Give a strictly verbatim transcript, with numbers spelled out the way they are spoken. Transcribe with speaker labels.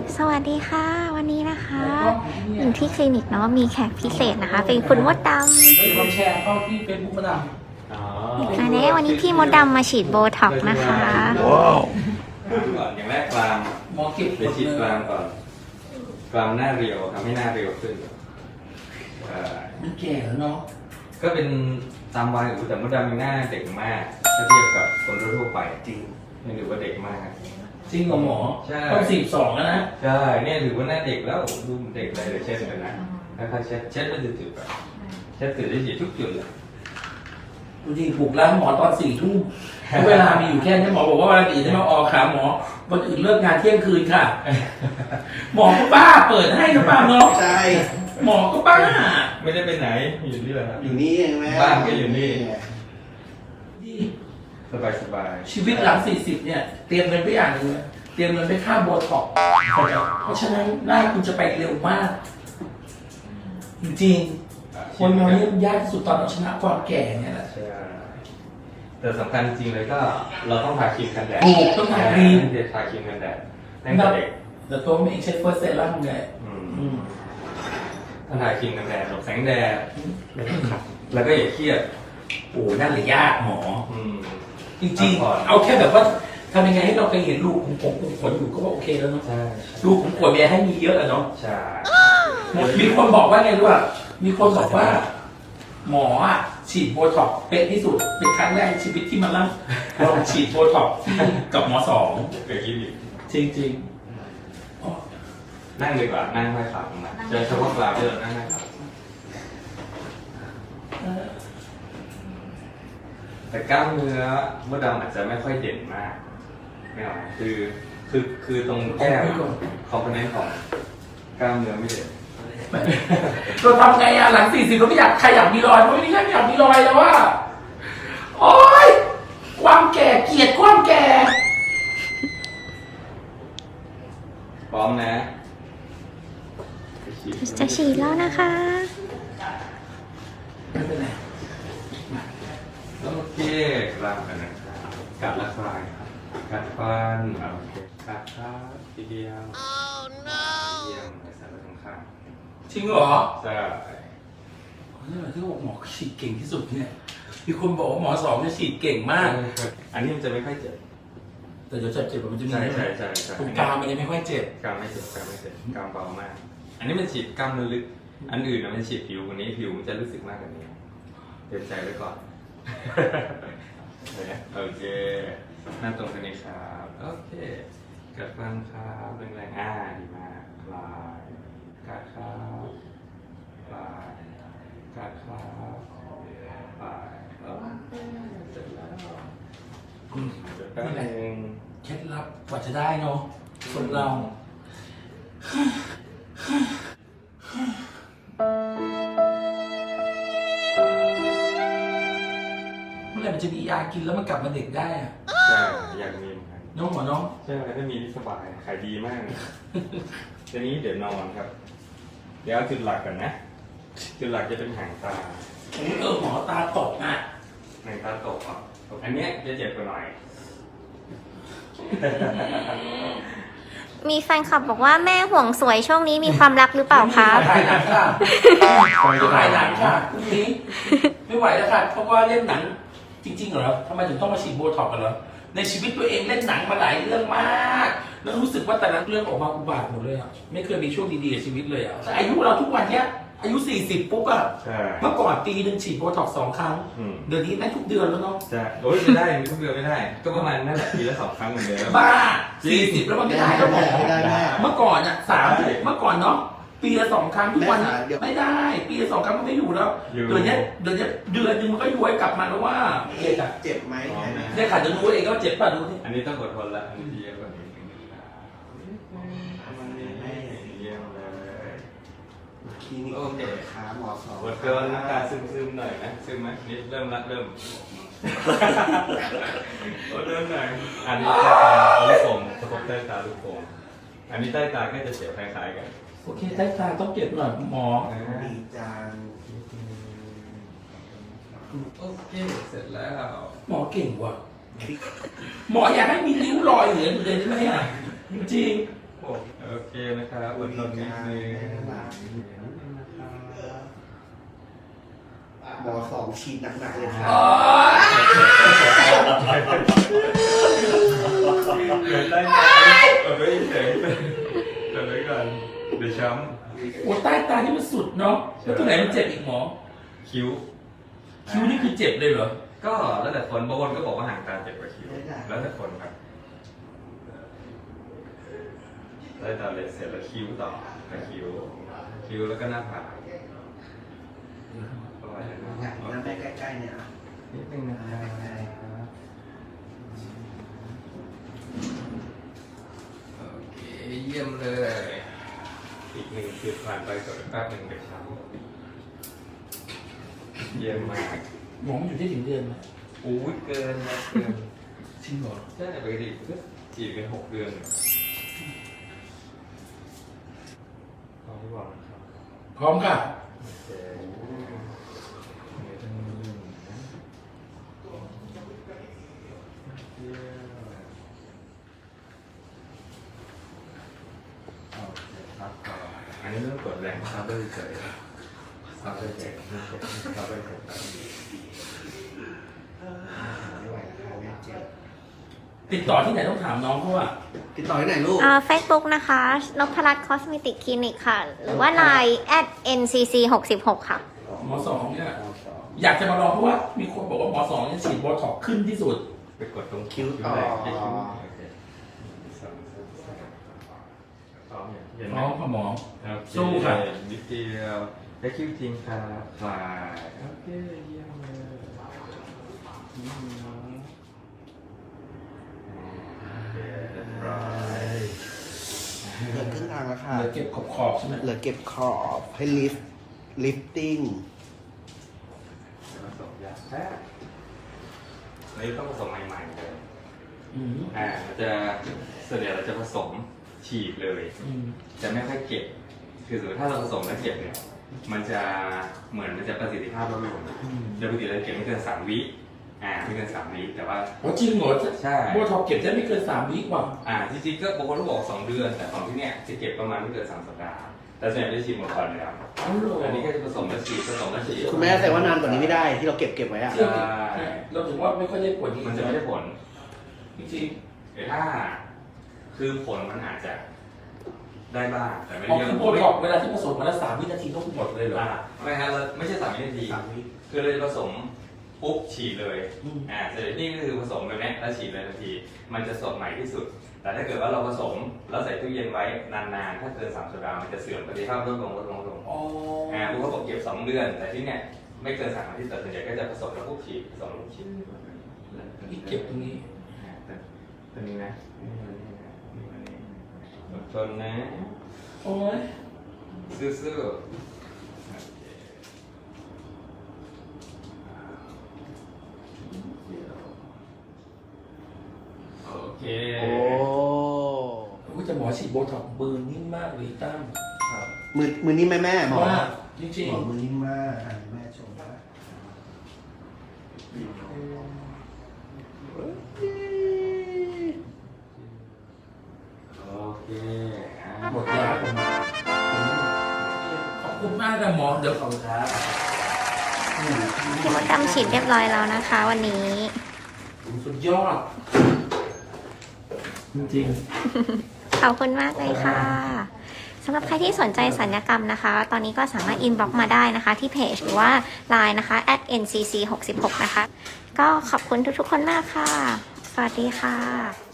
Speaker 1: สวัสดีค่ะวันนี้นะคะอยู่ที่คลินิกเนาะมีแขกพิเศษนะคะ เป็นคุณมดดำ
Speaker 2: ลองแชร์เข้าที่เฟซบุ๊กมาดาม
Speaker 1: อันนี้วันนี้พี่มดดำมาฉีดโบท็อกซ์นะคะ
Speaker 3: ว้าวก่อนอย่างแรกกราม
Speaker 2: หมอเก็บ
Speaker 3: ไปฉีดกรามก่อนกรามหน้าเรียวทำให้หน้าเรียวขึ้นเอ่อ
Speaker 2: มันแก่แล้วเนาะ
Speaker 3: ก็เป็นตามวัยแต่มดดำหน้าเด็กมากถ้าเทียบกับคนทั่วไปจริงไม่ถือว่าเด็กมาก
Speaker 2: จริงเหรอหมอ
Speaker 3: ใช่
Speaker 2: ต้องสี่สองแล้วนะ
Speaker 3: ใช่เนี่ยถือว่าหน้าเด็กแล้วดูเด็กเลยเดี๋ยวเช็ดกันนะถ้าเช็ดเช็ดแล้วจะจุดแบบเช็ดจุดได้ฉีดทุกจุดเลย
Speaker 2: ดูดิปลุกร้านหมอตอนสี่ทุ่มเวลามีอยู่แค่นี้หมอบอกว่าวันอื่นจะมาออกขาหมอวันอื่นเลิกงานเที่ยงคืนค่ะ หมอก็บ้าเปิดให้ก็บ้าเนาะ
Speaker 4: ใช่
Speaker 2: หมอก็บ้า
Speaker 3: ไม่ได้ไปไหนอยู่นี่แหละครับ
Speaker 4: อยู่นี่เองแม่
Speaker 3: บ้านก็อยู่นี่
Speaker 2: ดี
Speaker 3: สบายสบาย
Speaker 2: ชีวิตหลังสี่สิบเนี่ยเตรียมเงินไปอย่างหนึงเลยเตรียมเงินไปค่าโบท็อกซ์เพราะฉะนั้นหน้าคุณจะไปเร็วมาก จริงๆคนเราเนี่ยยากที่สุดตอนเราชนะความแก่เนี่ยแหละ
Speaker 3: ใช่แต่สำคัญจริงเลยก็เราต้องทาครีมกันแดด
Speaker 2: ถูกต้องทาครีม
Speaker 3: เดี๋ยวทาครีมกันแดดตั้งแต่เด็ก
Speaker 2: แต่ตัวผมเองใช้เฟิร์สเซรั่มไง
Speaker 3: อืม
Speaker 2: อืม
Speaker 3: ต้องทาครีมกันแดดหลบแสงแดดแล้วก็อย่าเครียด
Speaker 2: โอ้นั่นเลยยากหมอ
Speaker 3: อืม
Speaker 2: จริงๆ เอาแค่แบบว่าทำยังไงให้เราไปเห็นลูกของผมของขนอยู่ก็ว่าโอเคแล้วเนาะ
Speaker 3: ใช่
Speaker 2: ลูกของขนเมียให้มีเยอะอะเนาะ
Speaker 3: ใช่
Speaker 2: มีคนบอกว่าไงรู้ป่ะมีคนบอกว่า หมออ่ะฉีดโบท็อกซ์เป็นที่สุดเป็นครั้งแรกในชีวิตที่มาลั่งลองฉีดโบท็อกซ์กับหมอสอง
Speaker 3: เคยคิดอีก
Speaker 2: จริงๆอ๋อ
Speaker 3: นั่งดีกว่านั่งไม่ขับมาเจอเฉพาะกลางเจอนั่งไม่ขับแต่กล้ามเนื้อมดดำอาจจะไม่ค่อยเด่นมากไม่หรอกคือคือคือตรงแก้มคอมโพเนนต์ของกล้ามเนื้อไม่เด่น
Speaker 2: เราทำไงอะหลังสี่สิบเราไม่อยากใครอยากมีรอยเพราะไม่มีใครอยากมีรอยแล้วว่าโอ๊ยความแก่เกลียดความแก่
Speaker 3: พร้อมนะ
Speaker 1: จะฉีดแล้วนะคะ
Speaker 2: ไม่เป็นไร
Speaker 3: โอเคกลางกันนะครับกัดและคลายครับกัดฟันโอเคกัดครับทีเดียวเยี่ยมใส่ไปตรงข้าง
Speaker 2: จริงเหรอ
Speaker 3: ใช่
Speaker 2: นี่แหละที่บอกหมอฉีดเก่งที่สุดเนี่ยมีคนบอกว่าหมอสองเนี่ยฉีดเก่งมาก
Speaker 3: อันนี้มันจะไม่ค่อยเจ็บ
Speaker 2: แต่เดี๋ยวจะเจ็บมันจะมี
Speaker 3: ใช่ใช่ใช่ใช่
Speaker 2: ตรงกลางมันจะไม่ค่อยเจ็บ
Speaker 3: กล้ามไม่เจ็บกล้ามไม่เจ็บกล้ามเบามาก อันนี้มันฉีดกล้ามเนื้อลึกอันอื่นนะมันฉีดผิวกว่านี้ผิวมันจะรู้สึกมากกว่านี้เตรียมใจไว้ก่อน โอเคหน้าตรงกันนี้ครับโอเคกัดฟันครับแรงๆอ่าดีมากคลายกัดครับคลายกัดครับคลายโอเคเสร็จแล้วเดี๋ยวแป๊บนึง
Speaker 2: เคล็ดลับกว่าจะได้เนาะคนเราเมื่อไหร่มันจะมียากินแล้วมันกลับมาเด็กได้อะ
Speaker 3: ใช่อยากมีเหมือนกัน
Speaker 2: น้องหมอน้อง
Speaker 3: ใช่ถ้ามีนี่สบายขายดีมากทีนี้เดี๋ยวนอนครับ เดี๋ยวเอาจุดหลักก่อนนะ จุดหลักจะเป็นหางตา
Speaker 2: เออหมอตาตกอ่ะ
Speaker 3: หางตาตกอ่ะอันเนี้ยจะเจ็บกว่าหน่อย
Speaker 1: มีแฟนคลับบอกว่าแม่ห่วงสวยช่วงนี้มีความรักหรือเปล่าคะ
Speaker 2: ถ่ายหนังค่ะถ่ายหนังค่ะพรุ่งนี้ไม่ไหวแล้วค่ะเพราะว่าเล่นหนังจริงๆเหรอทำไมถึงต้องมาฉีดโบท็อกซ์กันเหรอในชีวิตตัวเองเล่นหนังมาหลายเรื่องมากแล้วรู้สึกว่าแต่ละเรื่องออกมาอุบาทหมดเลยอ่ะไม่เคยมีช่วงดีๆในชีวิตเลยอ่ะแต่อายุเราทุกวันเนี้ยอายุสี่สิบปุ๊บอ่ะ
Speaker 3: ใช่
Speaker 2: เมื่อก่อนปีหนึ่งฉีดโบท็อกซ์สองครั้ง
Speaker 3: อืม
Speaker 2: เดือนนี้ได้ทุกเดือนแล้วเนาะ
Speaker 3: ใช่โอ้ยไม่ได้ทุกเดือนไม่ได้ ก็ประมาณนั่นแหละปีละสองครั้งเหมือนเดิม
Speaker 2: บ้าสี่สิบแล้วมันไม่ได้แล้วหมอ
Speaker 4: ไม่ได้แม่
Speaker 2: เมื่อก่อนอ่ะสาม
Speaker 3: ได้
Speaker 2: เมื่อก่อนเนาะปีละสองครั้งทุกวัน
Speaker 4: แม่ขาเดี๋ยว
Speaker 2: ไม่ได้ ปีละสองครั้งมันไม่อยู่แล้ว
Speaker 3: อยู่
Speaker 2: เดือนเนี้ยเดือนเนี้ยเดือนหนึงมันก็ย้วยกลับมาแล้วว่าเด็กอะ
Speaker 4: เจ็บไหมแม่
Speaker 2: เด็กขาดจะรู้เองก็เจ็บป่ะดูที่
Speaker 3: อันนี้ต้องอดทนละอันนี้เยี่ยมกว่านี้เยี่ยมเลย
Speaker 4: คลินิก
Speaker 3: โอเค
Speaker 4: ขาหมอสอง
Speaker 3: อดทนน้ำตาซึมๆหน่อยนะซึมไหมนี่เริ่มละเริ่มอดทนหน่อยอันนี้ใต้ตาลูกโป่งกระทบใต้ตาลูกโป่งอันนี้ใต้ตาก็จะเสียคล้ายๆกัน
Speaker 2: โอเคใต้ตาต้องเก็บหน่อยหมอ
Speaker 4: ดีจัง
Speaker 3: โอเคเสร็จแล้ว
Speaker 2: หมอเก่งว่ะหมออยากให้มีนิ้วรอยเหลืออยู่เลยได้ไหมอ่ะจริง
Speaker 3: โอ้โอโอเคนะครับอดทนนิดนึง
Speaker 4: หมอสองฉีดหนักๆเลยครับ
Speaker 3: เกิดได้ไหมเออไม่เฉยเกิดไว้ก่อนเดี๋ยวช้
Speaker 2: โอ้ใต้ตานี่มันสุดเนาะแล้วตรงไหนมันเจ็บอีกหมอ
Speaker 3: ำคิ้ว
Speaker 2: คิ้วนี่คือเจ็บเลยเหรอ
Speaker 3: ก็แล้วแต่คนบางคนก็บอกว่าห่างตาเจ็บกว่าคิ้วแล้วแต่คนครับได้ตาเลเสร็จแล้วคิ้วต่อแล้วคิ้วคิ้วแล้วก็หน้าผากประมาณนั้น
Speaker 4: อยากนั่งใกล้ๆเนี่ย
Speaker 3: นิดนึงนะครับโอเคเยี่ยมเลย อีกหนึ่งคือผ่านไปกับแป๊บหนึ่งเดี๋ยวช้ำเยี่ยมมาก
Speaker 2: หมอมันอยู่ที่ถึงเดือนไหม
Speaker 3: อู้ยเกินนะเกิน
Speaker 2: จริงเหรอ
Speaker 3: ใช่ปกติก็จีบเป็นหกเดือนพร้อมที่บอกนะครับ
Speaker 2: พร้อมค่ะ
Speaker 3: โอเคไม่ต้องยุ่งนะเยี่ยมโอเคครับต่ออันนี้เรื่องกดแรงครับด้วยเฉยครับด้วยเฉยครับด้วยเฉยครับ
Speaker 4: ไม่ไหวแล้วค่ะแม่เจ็บ
Speaker 2: ติดต่อที่ไหนต้องถามน้องเขาอะ
Speaker 4: ติดต่อที่ไหนลูก
Speaker 1: อ่า Facebook นะคะนพรัตน์คอสเมติกคลินิกค่ะ หรือว่า ไลน์ แอท เอ็น ซี ซี หกสิบหก ค่ะ
Speaker 2: หมอสองเนี่ยอยากจะมาลองเพราะว่ามีคนบอกว่าหมอสองเนี่ยฉีดโบท็อกซ์ขึ้นที่สุด
Speaker 3: ไปกดตรง
Speaker 4: คิ้วต่อ
Speaker 3: แรกที่คิ้วโอเคสองสามสี่พร้อมอย่างเห็นไหม
Speaker 2: น้องค่ะหมอ
Speaker 3: โอเค
Speaker 2: สู้ค่ะ
Speaker 3: นิดเดียวได้คิ้วจริงครับคลายโอเคเยี่ยมเลยอืมโอเคเรียบร้อย
Speaker 4: เหลือครึ่งทางแล้วค่ะ
Speaker 2: เหลือเก็บขอบขอบๆใช่ไหม
Speaker 4: เหลือเก็บขอบให้ลิฟต์ลิฟติ้ง
Speaker 3: ผสมยาแท้อันนี้ต้องผสมใหม่ๆเลย
Speaker 2: อืม
Speaker 3: อ่ามันจะส่วนใหญ่เราจะผสมฉีดเลย
Speaker 2: อืม
Speaker 3: จะไม่ค่อยเก็บ คือสมมติถ้าเราผสมแล้วเก็บเนี่ย มันจะเหมือนมันจะประสิทธิภาพลดลงโดยปกติเราเก็บไม่เกินสามวิ อ่าไม่เกินสามวิแต่ว่า
Speaker 2: โอ้จริงเหรอ
Speaker 3: ใช่
Speaker 2: โบท็อกซ์เก็บได้ไม่เกินสามวิกว่า
Speaker 3: อ่าจริงๆก็บางคนก็บอกสองเดือน แต่ของที่เนี่ยจะเก็บประมาณไม่เกินสามสัปดาห์ แต่ส่วนใหญ่จะฉีดหมดก่อนเลยครับ
Speaker 2: อ๋อเหรอ
Speaker 3: อันนี้ก็จะผสมแล้วฉีดผสมแล้วฉีด
Speaker 4: คุณแม่แต่ว่านานกว่านี้ไม่ได้ที่เราเก็บเก็บไว้อะ
Speaker 2: เชื่อดิเราถึงว่าไม่ค่อยได้ผล
Speaker 3: มันจะไม่ได้ผล
Speaker 2: จริง
Speaker 3: แต่ถ้าคือผลมันอาจจะได้บ้างแต่ไม่
Speaker 2: ๆอ๋อ
Speaker 3: เยอะ
Speaker 2: คือโบท็อกซ์เวลาที่ผสมวันละสามวินาทีต้องหมดเลยเหรอ
Speaker 3: อ่าไม่ฮะเราไม่ใช่สามวินาที
Speaker 4: สามวิ
Speaker 3: คือเลยผสมปุ๊บฉีดเลย
Speaker 2: อืม
Speaker 3: อ่าเสร็จนี่ก็คือผสมแบบนี้แล้วฉีดเลยทันที มันจะสดใหม่ที่สุด แต่ถ้าเกิดว่าเราผสมแล้วใส่ตู้เย็นไว้นานๆ ถ้าเกินสามสัปดาห์มันจะเสื่อมประสิทธิภาพลดลงลดลงลดลง
Speaker 2: อ๋อ
Speaker 3: อ่าพวกเขาบอกเก็บสองเดือน แต่ที่เนี่ยไม่เกินสามอาทิตย์แต่ส่วนใหญ่ก็จะผสมแล้วปุ๊บฉีดผสมแล้วปุ๊บฉีด
Speaker 2: นี่เก็บตรงนี้
Speaker 3: อ่าแต่ตัวนี้นะนี่ตัวนี้นะนี่ตัวนี้อดทนนะ
Speaker 2: โอ้ย
Speaker 3: ซื่อๆ โอเค
Speaker 4: โอ้
Speaker 2: กูจะหมอฉีดโบท็อกซ์มือนิ่มมากเลยตั้ม
Speaker 4: ครับมือมือนี้แม่แม่หมอ
Speaker 2: ว่าจริง
Speaker 4: หมอมือนิ่มมากอ่ะแม่ชมนะ
Speaker 3: โอเคอ่ะ
Speaker 2: ๆหมดยาผมขอบคุณมากนะหมอเดี๋ยวขอบคุณครับ
Speaker 1: พี่มดดำฉีดเรียบร้อยแล้วนะคะ วันนี้
Speaker 2: สุดยอด จริง
Speaker 1: ขอบคุณมากเลยค่ะสำหรับใครที่สนใจสัญญกรรมนะคะ ตอนนี้ก็สามารถอินบ็อกซ์มาได้นะคะที่เพจหรือว่า ไลน์ นะคะ แอท เอ็น ซี ซี หกสิบหก นะคะ ก็ขอบคุณทุกๆคนมากค่ะ สวัสดีค่ะ